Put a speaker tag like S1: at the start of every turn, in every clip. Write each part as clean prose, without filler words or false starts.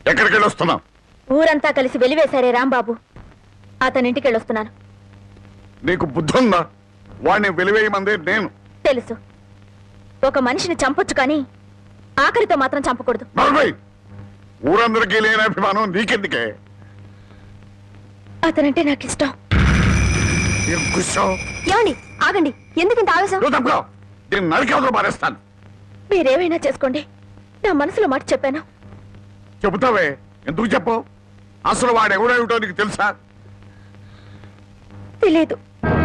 S1: ఎక్కడికి వెళ్ళొస్తున్నావు?
S2: ఊరంతా కలిసి వెలివేశారే రాంబాబు, అతనింటికి వెళ్ళొస్తున్నాను.
S1: నీకు బుద్ధి ఉందా? వాడిని వెలివేయమంది నేను.
S2: తెలుసు, ఒక మనిషిని చంపొచ్చు కానీ ఆఖరితో మాత్రం చంపకూడదు.
S1: ఊరందరికీ లేని అభిమానం నీకెందుకే?
S2: అతనంటే నాకు ఇష్టం.
S1: ఏమండి
S2: ఆగండి, ఎందుకు ఇంత ఆవేశం?
S1: నేను నరికేవతలు మారేస్తాను.
S2: మీరేమైనా చేసుకోండి, నా మనసులో మాట చెప్పాను.
S1: చెబుతావే, ఎందుకు చెప్పు? అసలు వాడు ఎవడేమిటో నీకు తెలుసా?
S2: తెలీదు.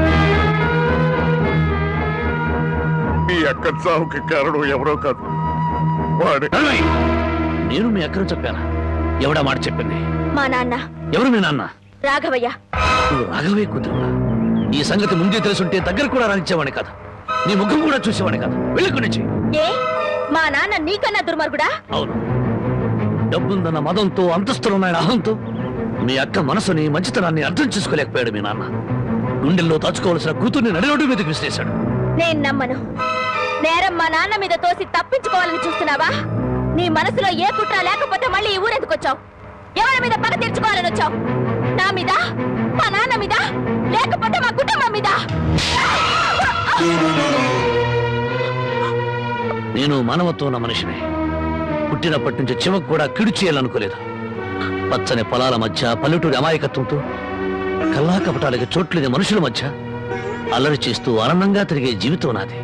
S1: మీ అక్క చావుకి కారణం ఎవరో కాదు, వాడే.
S3: నేను మీ అక్కను చెప్పానా? ఎవడా మాట చెప్పింది?
S2: మా నాన్న.
S3: ఎవరు మీ నాన్న?
S2: రాఘవయ్య.
S3: నువ్వు రాఘవయ్య కూతురువా? ఈ సంగతి ముందే తెలుసుంటే దగ్గర కూడా రానిచ్చేవాడి కాదు, నీ ముఖం కూడా చూసేవాడి కాదు. వెళ్ళి నుంచి.
S2: ఏ మా నాన్న నీకన్నా దుర్మార్గుడా?
S3: అవును, డబ్బుందన్న మదంతో, అంతస్తులున్నాయన అహంతో మీ అక్క మనసుని, మంచితనాన్ని అర్థం చేసుకోలేకపోయాడు మీ నాన్న. గుండెల్లో దాచుకోవాల్సిన కూతుర్ని నడిరోడ్డు మీదకి విసిరేశాడు.
S2: నేను నమ్మను. నేరం మా నాన్న మీద తోసి తప్పించుకోవాలని చూస్తున్నావా? నీ మనసులో ఏ కుట్ర లేకపోతే మళ్ళీ ఈ ఊరెందుకు వచ్చావు? ఎవరి మీద పగ తీర్చుకోవాలని వచ్చావు? నా మీద, మా నాన్న మీద, లేకపోతే మా కుటుంబం మీద?
S3: నేను మానవత్వం ఉన్న మనిషిని. పుట్టినప్పటి నుంచి చివకు కూడా కిడు చేయాలనుకోలేదు. పచ్చని పొలాల మధ్య, పల్లెటూరి అమాయకత్వంతో, కల్లా కపటాలకి చోట్లేని మనుషుల మధ్య అల్లరి చేస్తూ ఆనందంగా తిరిగే జీవితం నాది.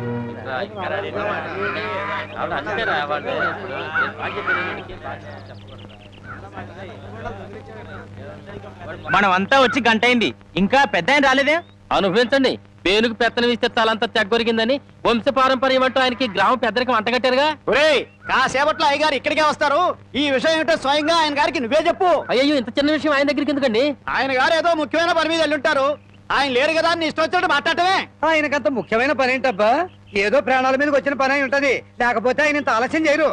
S4: మనమంతా వచ్చి గంట అయింది, ఇంకా పెద్ద ఆయన రాలేదే? అనుభవించండి, పేనుకు పెత్తనం ఇస్తే తలంతా తెగ్గొరిగిందని వంశ పారంపర్యం అంటూ ఆయనకి గ్రామ పెద్దరికి వంటగట్టారుగా.
S5: కాసేపట్లో అయ్యగారు ఇక్కడికే వస్తారు. ఈ విషయం ఏంటో స్వయంగా ఆయన గారికి నువ్వే చెప్పు.
S4: అయ్యో, ఇంత చిన్న విషయం ఆయన దగ్గరికి ఎందుకండి?
S5: ఆయన గారు ఏదో ముఖ్యమైన పని మీద వెళ్ళుంటారు. ఆయన లేరు కదా అని ఇష్టం వచ్చినట్టు మాట్లాడటమే.
S6: ఆయనకంత ముఖ్యమైన పని ఏంటబ్బా? ఏదో ప్రాణాల మీదకి వచ్చిన పని అయి ఉంటది, లేకపోతే ఆయన ఇంత ఆలస్యం చేయరు.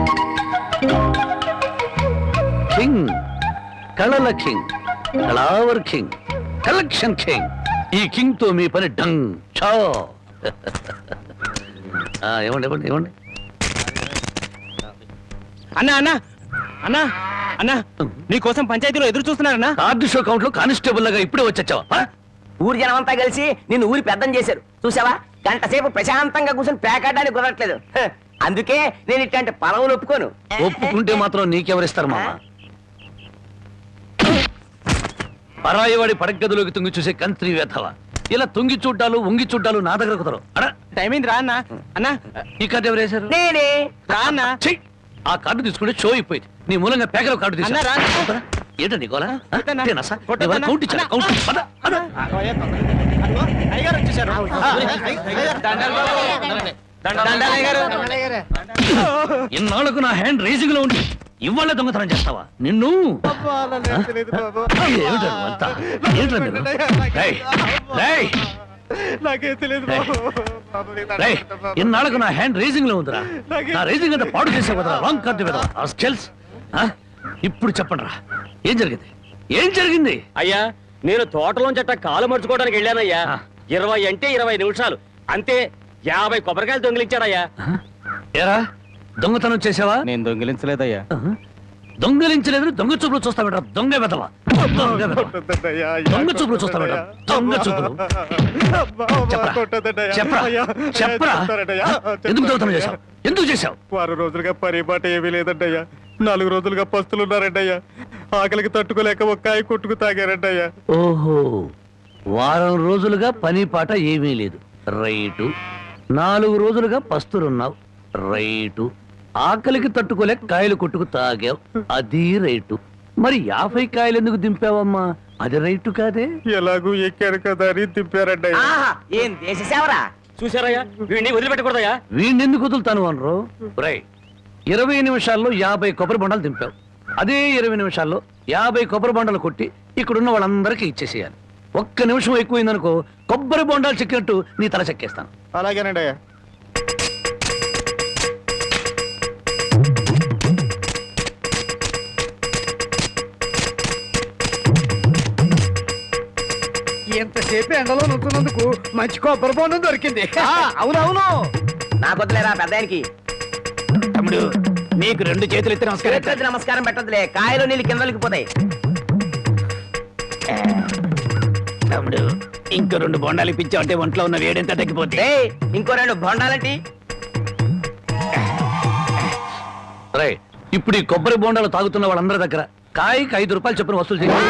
S3: కింగ్, కళల కింగ్, కళావర్ కింగ్, కలెక్షన్ కింగ్. ఈ కింగ్ తో మీ పని డంగ్ చో. ఏమండి ఏమండి ఏమండి
S4: అన్నా అన్నా అన్నా అన్నా, నీకోసం పంచాయతీలో ఎదురు చూస్తున్నారన్నా.
S3: కార్డు షో కౌంట్ లో కానిస్టేబుల్ లాగా ఇప్పుడే వచ్చావా?
S5: ఊరి జనం అంతా కలిసి నిన్ను ఊరి పెద్దం చేశారు చూసావా? గంట సేపు ప్రశాంతంగా కూర్చొని పేకాడడానికి కుదరట్లేదు. అందుకే నేను ఇట్లాంటి పదవులు ఒప్పుకోను.
S3: ఒప్పుకుంటే మాత్రం నీకెవరిస్తారు మామ? పరాయి వాడి పడగదిలోకి తుంగి చూసే కంత్రి వేధవ. ఇలా తుంగి చూడ్డాలు, ఉంగి చూడ్డాలు నా దగ్గర కుదరవు.
S4: టైం అయింది, రా అన్నా. అన్నా,
S3: ఈ కార్డు ఎవరు వేశారు?
S5: నేనే.
S4: రా అన్నా.
S3: ఆ కార్డు తీసుకుంటే షో అయిపోయింది. నీ మూలంగా పేకలో కార్డు తీసుకున్నా. ఏంటో నీకోలా? ఇన్నాళ్లకు నా హ్యాండ్ రేసింగ్ లో ఉండి ఇవాళ దొంగతనం చేస్తావా? నిన్ను ఇన్నాళ్లకు నా హ్యాండ్ రేసింగ్ లో ఉందిరా. నా రేసింగ్ అంతా పాడు చేసే కదా రాంగ్ కార్డు కదా. ఇప్పుడు చెప్పండి రా, ఏం జరిగింది? ఏం జరిగింది?
S4: అయ్యా, నేను తోటలోంచి అట్ట కాలు మర్చుకోవడానికి వెళ్ళానయ్యా. 20 అంటే 20 నిమిషాలు అంతే. 50 కొబ్బరికాయలు దొంగిలించాడయ్యా.
S3: ఏరా, దొంగతనం చేసావా?
S4: నేను దొంగిలించలేదయ్యా.
S3: దొంగలించలేదు, దొంగ చూపులు చూస్తావేట. దొంగ వెదవా, దొంగ చూపులు చూస్తావేట. దొంగ చూపులు. చెప్పరా, ఎందుకు దొంగతనం చేశావు? ఎందుకు చేశావు?
S7: 6 రోజులుగా పరిపాట ఏమీ లేదంటయ్యా. 4 రోజులుగా పస్తులున్నారంటయ్యా. ఆకలికి తట్టుకోలేక ఒక్కాయ కొట్టుకు తాగారంటయ్యా.
S3: ఓహో, వారం రోజులుగా పని పాట ఏమీ లేదు. రైటు. 4 రోజులుగా పస్తులున్నావు. రైటు. ఆకలికి తట్టుకోలేక కాయలు కొట్టుకు తాగావు. అది రైటు. మరి 50 కాయలు ఎందుకు దింపావమ్మా? అది రైటు కాదే.
S7: ఎలాగూ ఎక్కారు కదా అని దింపారంటయ్యా.
S5: ఏం దేశ సేవరా?
S4: చూసారయ్యా, వీడిని వదిలిపెట్టకూడదయ్యా.
S3: వీడిని ఎందుకు వదులుతాను అనరు? రై, 20 నిమిషాల్లో 50 కొబ్బరి బొండాలు దింపావు. అదే 20 నిమిషాల్లో 50 కొబ్బరి బొండాలు కొట్టి ఇక్కడున్న వాళ్ళందరికీ ఇచ్చేసేయాలి. 1 నిమిషం ఎక్కువైందనుకో, కొబ్బరి బొండాలు చెక్కినట్టు నీ తల చెక్కేస్తాను.
S7: అలాగేనండి అయ్యా.
S6: ఎంతసేపు ఎండలో నుంచున్నందుకు మంచి కొబ్బరి బొండం దొరికింది.
S5: అవునవును, నాకు వద్దులేరా పెద్దానికి.
S3: తమ్ముడు, మీకు 2 చేతులు ఎత్తి
S5: చేతులెత్తి నమస్కారం పెట్టదులే, కాయలు నీళ్ళు కిందలకి పోతాయి.
S3: తమ్ముడు ఇంకో 2 బొండాలు ఇప్పించావంటే ఒంట్లో ఉన్న వేడెంత తగ్గిపోతే.
S5: డేయ్, ఇంకో 2 బొండాలంటి.
S3: ఇప్పుడు ఈ కొబ్బరి బొండాలు తాగుతున్న వాళ్ళందరి దగ్గర కాయకి 5 రూపాయలు చొప్పున వసూలు చేయాలి.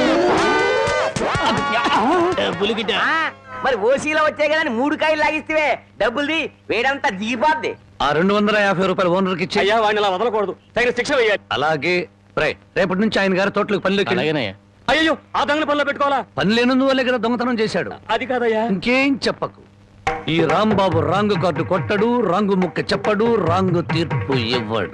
S5: ఆ, మరి ఓసీలో వచ్చాయి కదా 3 కాయలు లాగిస్తే డబ్బుల్ది వేడంతా దిగిపోద్ది.
S3: ఆ 250 రూపాయలు ఓనర్కి ఇచ్చి.
S7: అయ్యా వాడిని అలా వదలకూడదు, తగిన శిక్ష వేయాలి.
S3: అలాగే రేపటి నుంచి ఆయన గారి తోటలకు పనిలోకి
S7: అయ్యో ఆ దొంగల పనిలో పెట్టుకోవాలా?
S3: పని లేనందువల్లే కదా దొంగతనం చేశాడు.
S7: అది కాదయ్యా.
S3: ఇంకేం చెప్పకు. ఈ రాంబాబు రాంగు కార్డు కొట్టడు, రాంగు ముక్క చెప్పడు, రాంగు తీర్పు ఇవ్వడు.